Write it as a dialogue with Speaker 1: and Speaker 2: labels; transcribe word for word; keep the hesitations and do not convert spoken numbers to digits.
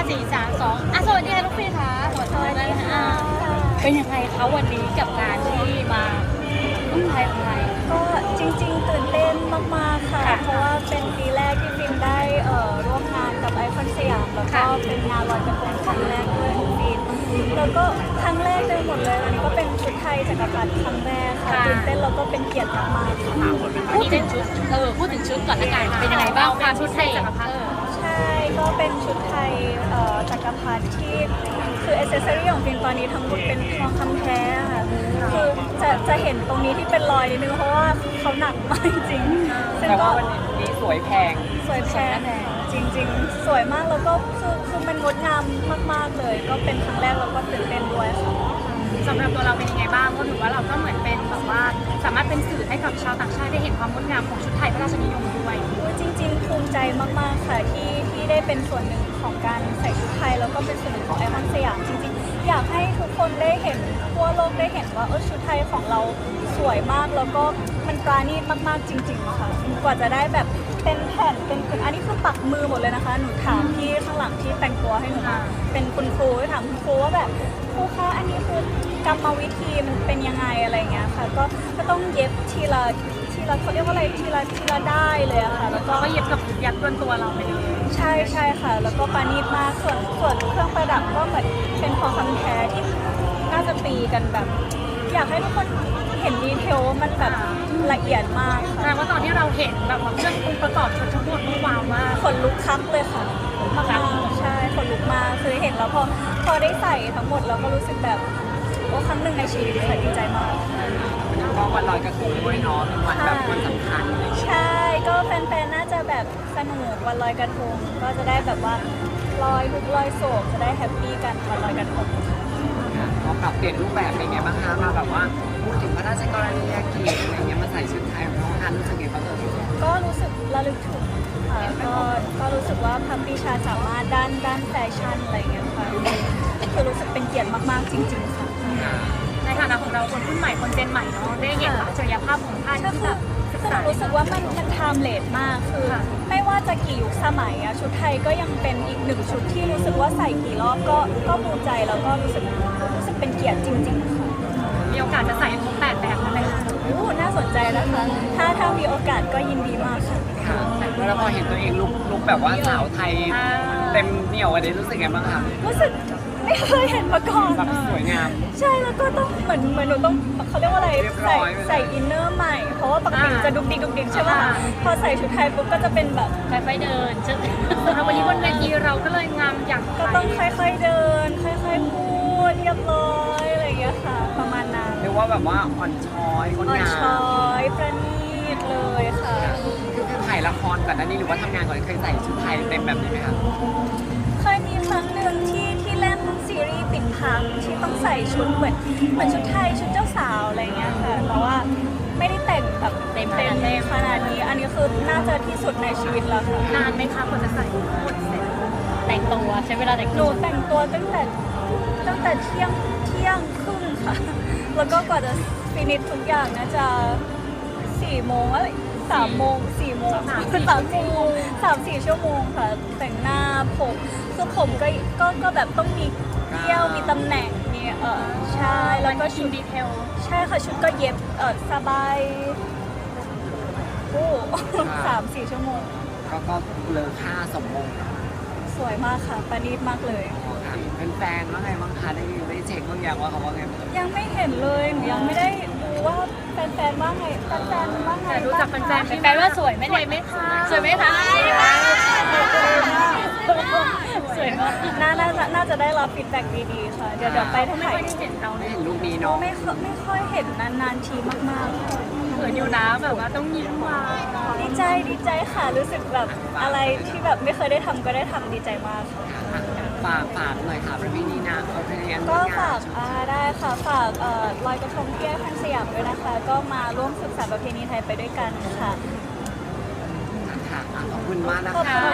Speaker 1: สี่สามสองอ่ะสวัสดีค่ะลูกพี่ค่ะสวัสดีค่ะเป็นยังไงคะวันนี้กับการที่มาอุ้มไทยไทย
Speaker 2: ก็จริงๆตื่นเต้นมากๆค่ะเพราะว่าเป็นปีแรกที่ฟินได้เอ่อร่วมงานกับไอคอนสยามแล้วก็เป็นงานลอยกระทงครั้งแรกด้วยของฟินแล้วก็ครั้งแรกเลยหมดเลยวันนี้ก็เป็นชุดไทยจักรพรรดิครั้งแรกค่ะตื่นเต้นแล้วก็เป็นเกียรติมากๆค่ะ
Speaker 1: พูดถึงชุดเออพูดถึงชุดก่อนละกันเป็นยังไงบ้างความชุดไทยจักรพรรดิ
Speaker 2: ใช่ก็เป็นชุดไทยเอ่อจักรพรรดิที่คืออ c เซสซอรี่ของฟินตอนนี้ทั้งหมดเป็นทองคำแท้ค่ะคือจะจะเห็นตรงนี้ที่เป็นรอยนิดนึงเพราะว่าเขาหนักมากจริงๆซึ่งก็
Speaker 3: วันนี้สวยแพง
Speaker 2: สวยแพงจริงๆสวยมากแล้วก็คือคือมันงดงามมากๆเลยก็เป็นครั้งแรกแล้วก็ตื่นเต้นด้วยค่ะ
Speaker 1: สำหรับตัวเราเป็นยังไงบ้างเพราะถือว่าเราก็เหมือนเป็นแบบว่าสามารถเป็นสื่อให้กับชาวต่างชาติได้เห็นความงดงามของชุดไทยพระราชนิยมด้วย
Speaker 2: จริงๆภูมิใจมากๆค่ะที่ที่ได้เป็นส่วนหนึ่งของการใส่ชุดไทยแล้วก็เป็นส่วนหนึ่งของไอคอนสยามจริงๆอยากให้ทุกคนได้เห็นทั่วโลกได้เห็นว่าเออชุดไทยของเราสวยมากแล้วก็มันปราณีตมากๆจริงๆค่ะกว่าจะได้แบบเป็นแผ่นเป็นอันนี้คือปักมือหมดเลยนะคะหนูถามที่ข้างหลังที่แต่งตัวให้หนูเป็นคุณครูถามคุณครูว่าแบบครูคะอันนี้คือกรรมวิธีมันเป็นยังไงอะไรเงี้ยค่ะก็ก็ต้องเย็บทีละทีละเขาเรียกว่าอะไรทีละทีละได้เลยอะค่ะแล้วก็
Speaker 1: ก็เย็บกับยัดบนตัวเราไปเลย
Speaker 2: ใช่ใช่ค่ะแล้วก็ปานีตมากส่วนส่วนเครื่องประดับก็เหมือนเป็นทองคำแท้ที่น่าจะตีกันแบบอยากให้ทุกคนเห็นดีเทลว่ามันแบบละเอียดมากค่ะ
Speaker 1: แสดงว่าตอนที่เราเห็นแบบว่าเครื่ององค์ประกอบชุดทั้งหมดมันว้าวมาก
Speaker 2: ขนลุกคักเลยค่ะมากใช่ขนลุกมากคือเห็นแล้วพอพอได้ใส่ทั้งหมดเราก็รู้สึกแบบโอ้ครั้งหนึ่งในชีวิตค่ะดีใจมาก
Speaker 3: ก็วันลอยกระทงด้วยเนาะเป็นวันแบบวันสำคัญ
Speaker 2: ใช่ก็แฟนๆน่าจะแบบสนุกวันลอยกระทงก็จะได้แบบว่าลอยทุกลอยโศกจะได้แฮปปี้กันวันลอยกระทง
Speaker 3: พอปรับเปลี่ยนรูปแบบเป็นไงบ้างคะมาแบบว่าพูดถึงพระราชกรณียกิจอะไรเงี้ยมาใส่ชุดไทยของน้องฮันรู้สึกไงบ้างเอ่ย
Speaker 2: ก็รู้สึกระลึกถึงค่ะก็ก็รู้สึกว่าพัมพิชาสามารถด้านด้านแฟชั่นอะไรเงี้ยค่ะคือรู้สึกเป็นเกียรติมากๆจริงๆค่ะ
Speaker 1: ในฐานะของเราคนรุ่นใหม่คนเจนใหม่เนาะได้เห็นอัจฉริยภาพของท่านที่แบบ
Speaker 2: คือหนูรู้สึกว่ามันมันไทม์เลสมากคือไม่ว่าจะกี่ยุคสมัยอะชุดไทยก็ยังเป็นอีกหนึ่งชุดที่รู้สึกว่าใส่กี่รอบก็ก็ภูมิใจแล้วก็รู้สึกรู้สึกเป็นเกียรติจริงๆค่ะ
Speaker 1: มีโอกาสจะใส่ครบแปดแบบไหมคะ
Speaker 2: โอ้น่าสนใจนะคะถ้าถ้ามีโอกาสก็ยินดีมากค่ะ
Speaker 3: ค่ะแล้วพอเห็นตัวเองลุกลุกแบบว่าสาวไทยเต็มเหนียวอะไรรู้สึกไงบ้างคะ
Speaker 2: รู้สึกไม่เคยเห็นมาก่อน
Speaker 3: แบบสวยงาม
Speaker 2: ใช่แล้วก็ต้องเหมือนเหมือนหนูต้องเขาเรียกว่าอะไรใส่ใส่อินเนอร์ใหม่เพราะว่าปกติจะดุกดิกดุกดิกใช่ไหมพอใส่ชุดไทยปุ๊บก็จะเป็นแบบ
Speaker 1: ค่อยๆเดินซึ่งวันนี้บนเวทีเราก็เลยงามอย่าง
Speaker 2: ก็ต้องค่อยๆเดินค่อยๆพูดเรียบร้อยอะไรอย่างเงี้ยค่ะประมาณนั้น
Speaker 3: เรียกว่าแบบว่าอ่อนช้อยคนงาม
Speaker 2: อ่อนช้อยประณีตเลยค่ะ
Speaker 3: คือถ่ายละครก่อนหน้านี้หรือว่าทำงานก่อนเคยใส่ชุดไทยเต็มแบบนี้ไหมคะ
Speaker 2: เคยมีครั้งหนึ่งที่ที่เล่นซีรีส์ปิดพังที่ต้องใส่ชุดเหมือนเหมือนชุดไทยชุดเจ้าสาวอะไรเงี้ยค่ะแต่ว่าไม่ได้แต่งแบบเต็มเต็มเลยขนาดนี้อันนี้คือน่าจะที่สุดในชีวิตแล้วค่ะ
Speaker 1: นานไหมคะกว่าจะใส่หมดเสร็จแต่งตัวใช้เวลาแต่ง
Speaker 2: หนูแต่งตัวตั้งแต่ตั้งแต่เที่ยงเที่ยงครึ่งค่ะแล้วก็กว่าจะฟินิชทุกอย่างน่าจะสี่โมงอะไรสามโมงสี่โมงสามสามสี่สามสี่ชั่วโมงค่ะแต่งหน้าผมคือผมก็ก็ก็แบบต้องมีเที่ยวมีตำแหน่งมีเออใช่แล้วก็ชุด
Speaker 1: ดีเทล
Speaker 2: ใช่ค่ะชุดก็เย็บเออสบายโอ้สามสี่ชั่วโมง
Speaker 3: ก็ก็เลอค่าสมมง
Speaker 2: สวยมากค่ะประณีตมากเลย
Speaker 3: เป็นแฟนว่าไงบ้างคะได้ได้เช็คบางอย่างว่าเขาว่าไง
Speaker 2: ยังไม่เห็นเลยหนูยังไม่ได้ดูว่าแฟนๆว่าไงแฟนๆว่าไง
Speaker 1: รู้จักแฟนๆแฟนว่าสวยไหมสวยไหมคะสวยไหมคะสวยมาก
Speaker 2: น่าน่าจะน่าจะได้รับฟีดแบ็กดีๆค่ะเดี๋ยวเดี๋ยวไปทั้งไหน
Speaker 3: เห็นเราได้เห็นรูปนี้เนาะ
Speaker 2: ไม่ไม่ค่อยเห็นนานๆทีมากๆ
Speaker 1: เขินอยู่นะแบบว่าต้องยิ้มมา
Speaker 2: ดีใจดีใจค่ะรู้สึกแบบอะไรที่แบบไม่เคยได้ทำก็ได้ทำดีใจมาก
Speaker 3: ฝากฝากหน่อยค่ะประเพณีนะประเพณี
Speaker 2: ก็ฝากอ่าได้ค่ะฝากเอ่อลอยกระทงที่ไอคอนสยามด้วยนะคะก็มาร่วมสืบสานประเพณีไทยไปด้วยกันค่ะ
Speaker 3: ค่ะขอบคุณมากนะ
Speaker 2: ขอบ
Speaker 3: คะ